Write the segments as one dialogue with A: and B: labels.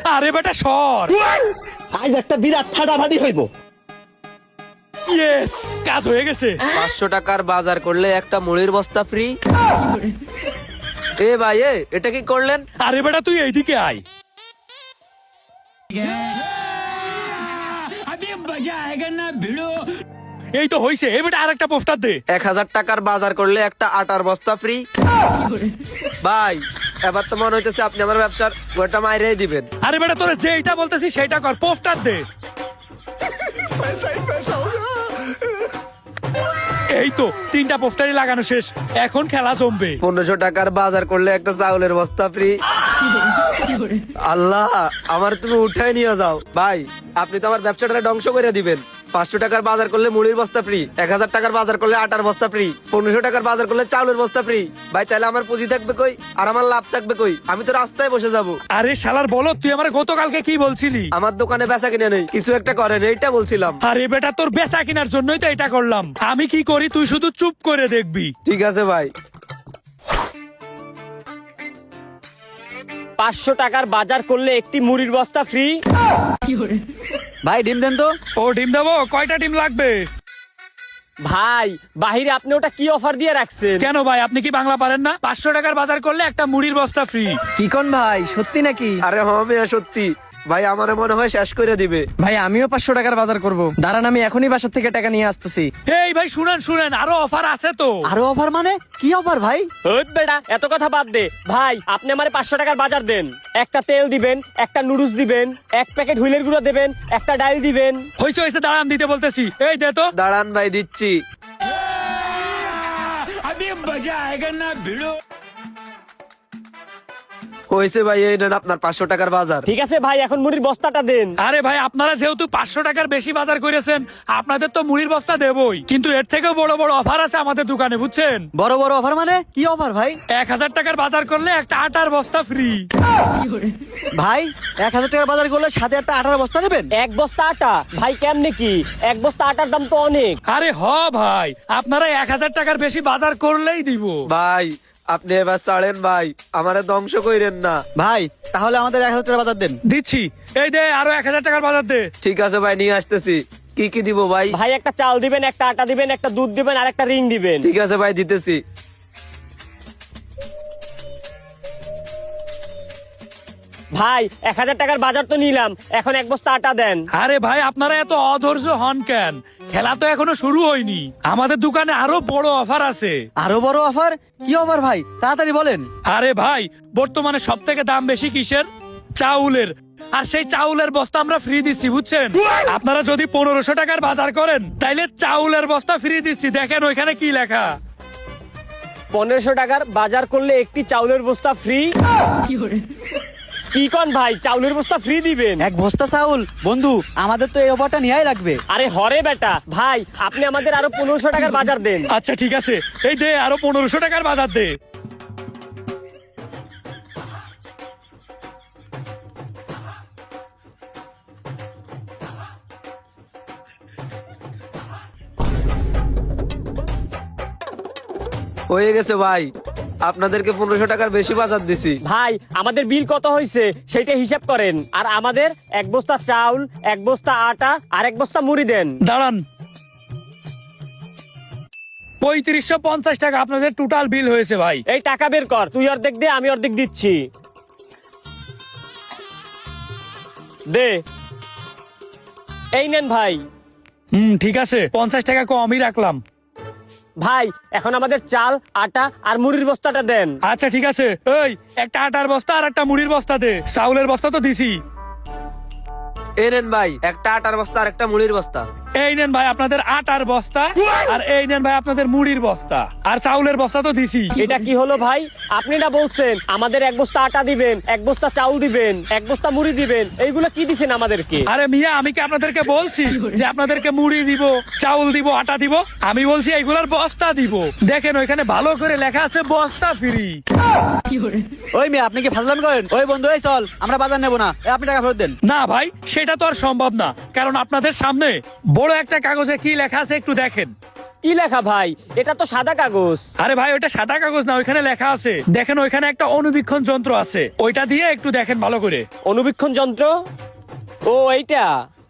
A: আরে বেটা সর,
B: আজ একটা বিরাট ফাটাফাটি হইব।
A: ইয়েস, কাজ হয়ে গেছে।
C: 500 টাকার বাজার করলে একটা মুড়ির বস্তা ফ্রি। এ ভাই এটা কি করলেন?
A: আরে বেটা তুই এইদিকে আয়। এই তো হইছে, এই বেটা আরেকটা পোস্টার দে।
C: 1000 টাকার বাজার করলে একটা আটার বস্তা ফ্রি। ভাই এবার তো মনে হইতেছে আপনি আমার ব্যবসার গোটা মাইরেই দিবেন।
A: আরে বেটা তোরে যেটা বলতেছি সেটা কর, পোস্টার দে। এই তো 3টা পোস্টারই লাগানো শেষ, এখন খেলা জমবে।
C: 1500 টাকার বাজার করলে একটা চাউলের বস্তা ফ্রি। আল্লাহ আমার তুমি উঠাই নিয়ে যাও। ভাই আপনি তো আমার ব্যবসাটা ধ্বংস করে দিবেন। 500 টাকার বাজার করলে মুড়ির বস্তা ফ্রি, 1000 টাকার বাজার করলে আটার বস্তা ফ্রি, 1500 টাকার বাজার করলে চাউলের বস্তা ফ্রি। ভাই তাহলে আমার পুঁজি থাকবে কই আর আমার লাভ থাকবে কই? আমি তো রাস্তায় বসে যাব।
A: আরে শালার বলো, তুই আমার গতকালকে কি বলছিলি?
C: আমার দোকানে বেচা কিনে নেই, কিছু একটা করেন, এইটা বলছিলাম।
A: আরে বেটা তোর বেচা কেনার জন্যই তো এটা করলাম। আমি কি করি তুই শুধু চুপ করে দেখবি।
C: ঠিক আছে ভাই।
D: 500 টাকার বাজার করলে একটি মুড়ির বস্তা ফ্রি।
B: ভাই ডিম দেন তো।
A: ও ডিম দেবো, কয়টা ডিম লাগবে?
D: ভাই বাহিরে আপনি ওটা কি অফার দিয়ে রাখছেন?
A: কেন ভাই আপনি কি বাংলা পারেন না? 500 টাকার বাজার করলে একটা মুড়ির বস্তা ফ্রি।
B: কি কোন ভাই, সত্যি নাকি?
C: আরে হ্যাঁ সত্যি ভাই, আমার মনে হয় শেষ করে দিবে।
B: ভাই আমিও 500 টাকার বাজার করব। দাঁড়ান আমি এখনই বাসার থেকে টাকা নিয়ে আসতেছি।
A: এই ভাই শুনেন শুনেন, আরো অফার আছে তো।
B: আরো অফার মানে? কি অফার ভাই?
D: ওই বেটা এত কথা বাদ দে। ভাই আপনি আমারে 500 টাকার বাজার দেন। একটা তেল দিবেন, একটা নুডলস দিবেন, এক প্যাকেট হুইলের গুঁড়ো দেবেন, একটা ডাল দিবেন।
A: হইছে হইছে, দাঁড়ান দিতে বলতেছি। এই দে তো।
C: দাঁড়ান ভাই দিচ্ছি। হয়েছে ভাই, এই নেন আপনার 500 টাকার বাজার।
D: ঠিক আছে ভাই, এখন মুড়ির বস্তাটা দেন।
A: আরে ভাই আপনারা যেহেতু 500 টাকার বেশি বাজার করেছেন, আপনাদের তো মুড়ির বস্তা দেবই, কিন্তু এর থেকেও বড় বড় অফার আছে আমাদের দোকানে, বুঝছেন?
B: বড় বড় অফার মানে? কি অফার ভাই?
A: 1000 টাকার বাজার করলে একটা আটার বস্তা ফ্রি।
B: ভাই 1000 টাকার বাজার করলে সাথে একটা আটার বস্তা দেবেন?
D: এক বস্তা আটা? ভাই কেমনে কি? এক বস্তা আটার দাম তো অনেক।
A: আরে হ ভাই, আপনারা 1000 টাকার বেশি বাজার করলেই দিব।
C: ভাই আপনি এবার ছাড়েন ভাই, আমারে ধ্বংস কইরেন না।
B: ভাই তাহলে আমাদের 1000 টাকার বাজার দেন।
A: দিচ্ছি, এই দে আরো 1000 টাকার বাজার দে।
C: ঠিক আছে ভাই, নিয়ে আসতেছি। কি কি দিব ভাই?
D: ভাই একটা চাল দিবেন, একটা আটা দিবেন, একটা দুধ দিবেন আর একটা রিং দিবেন।
C: ঠিক আছে ভাই, দিতেছি।
D: ভাই 1000 টাকার বাজার তো নিলাম, এখন এক বস্তা আটা দেন।
A: আরে ভাই আপনারা এত অধৈর্য হন কেন? খেলা তো এখনো শুরু হয়নি, আমাদের দোকানে আরো বড় অফার আছে।
B: আরো বড় অফার? কি অফার ভাই, তাড়াতাড়ি বলেন।
A: আরে ভাই বর্তমানে সব থেকে দাম বেশি কিসের? চাউলের। আর সেই চাউলের বস্তা আমরা ফ্রি দিচ্ছি, বুঝছেন? আপনারা যদি 1500 টাকার বাজার করেন তাইলে চাউলের বস্তা ফ্রি দিচ্ছি। দেখেন ওইখানে কি লেখা।
D: 1500 টাকার বাজার করলে একটি চাউলের বস্তা ফ্রি। কি কোন ভাই, চাউলের বস্তা ফ্রি দিবেন?
B: এক বস্তা চাউল? বন্ধু আমাদের তো এই অফারটা নিয়েই লাগবে।
D: আরে হরে বেটা, ভাই আপনি আমাদের আরো 1500 টাকার বাজার দেন।
A: আচ্ছা ঠিক আছে, এই দে আরো 1500 টাকার বাজার দে।
C: হয়ে গেছে ভাই, আপনাদেরকে 1500 টাকার বেশি বাজার দিছি।
D: ভাই আমাদের বিল কত হয়েছে সেটা হিসাব করেন, আর আমাদের এক বস্তা চাউল, এক বস্তা আটা আর এক বস্তা মুড়ি দেন।
A: দাঁড়ান, 3550 টাকা আপনাদের টোটাল বিল হয়েছে ভাই।
D: এই টাকা বের কর, তুই অর্ধেক দে, আমি অর্ধেক দিচ্ছি। দে, এই নেন ভাই।
A: ঠিক আছে, 50 টাকা কমই রাখলাম।
D: ভাই এখন আমাদের চাল, আটা আর মুড়ির বস্তাটা দেন।
A: আচ্ছা ঠিক আছে, এই একটা আটার বস্তা আর একটা মুড়ির বস্তা দে। চাউলের বস্তা তো দিছি।
C: এই নেন ভাই একটা আটার বস্তা আর একটা মুড়ির বস্তা।
A: এই নেন ভাই আপনাদের আটার বস্তা, আর এই নেন ভাই আপনাদের মুড়ির বস্তা, আর চাউলের বস্তা তো দিছি।
D: এটা কি হলো ভাই? আপনি না বলছেন আমাদের এক বস্তা আটা দিবেন, এক বস্তা চাউল দিবেন, এক বস্তা মুড়ি দিবেন, এইগুলো কি দিছেন আমাদেরকে?
A: আরে মিয়া, আমি কি আপনাদেরকে বলছি যে আপনাদেরকে মুড়ি দিব, চাউল দিব, আটা দিব? আমি বলছি এইগুলার বস্তা দিব। দেখেন ওইখানে ভালো করে লেখা আছে বস্তা ফ্রি।
B: ওই মেয়ে আপনি কি ফাজলামি করেন? ওই বন্ধু এই চল, আমরা বাজার নেব না, আপনি টাকা ফেরত দেন।
A: না ভাই, সেটা তো আর সম্ভব না, কারণ আপনাদের সামনে বড় একটা কাগজে কি লেখা আছে একটু দেখেন।
D: কি লেখা ভাই? এটা তো সাদা কাগজ।
A: আরে ভাই ওইটা সাদা কাগজ না, ওইখানে লেখা আছে দেখেন, ওইখানে একটা অনুবীক্ষণ যন্ত্র আছে, ওইটা দিয়ে একটু দেখেন ভালো করে।
D: অনুবীক্ষণ যন্ত্র? ও এইটা।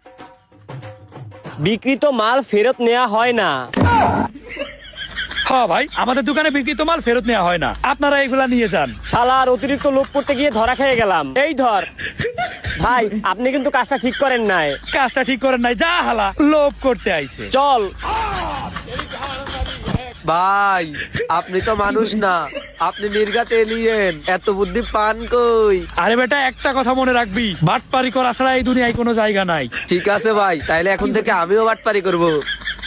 D: বিক্রিত মাল ফেরত নেওয়া হয় না।
A: হ্যাঁ ভাই, আমাদের দোকানে বিক্রিত মাল ফেরত নেওয়া হয় না, আপনারা এগুলা নিয়ে যান।
D: শালার অতিরিক্ত লোভ করতে গিয়ে ধরা খেয়ে গেলাম। এই ধর ভাই, আপনি কিন্তু কাজটা ঠিক করেন নাই।
A: কাজটা ঠিক করেন নাই, যা হালা লোভ করতে আইছে।
D: চল।
C: ভাই আপনি তো মানুষ না, আপনি নির্ঘাত এলিয়েন, এত বুদ্ধি পান কই?
A: আরে বেটা একটা কথা মনে রাখবি, বাটপারি করা ছাড়া এই দুনিয়ায় কোনো জায়গা নাই।
C: ঠিক আছে ভাই, তাইলে এখন থেকে আমিও বাটপারি করব।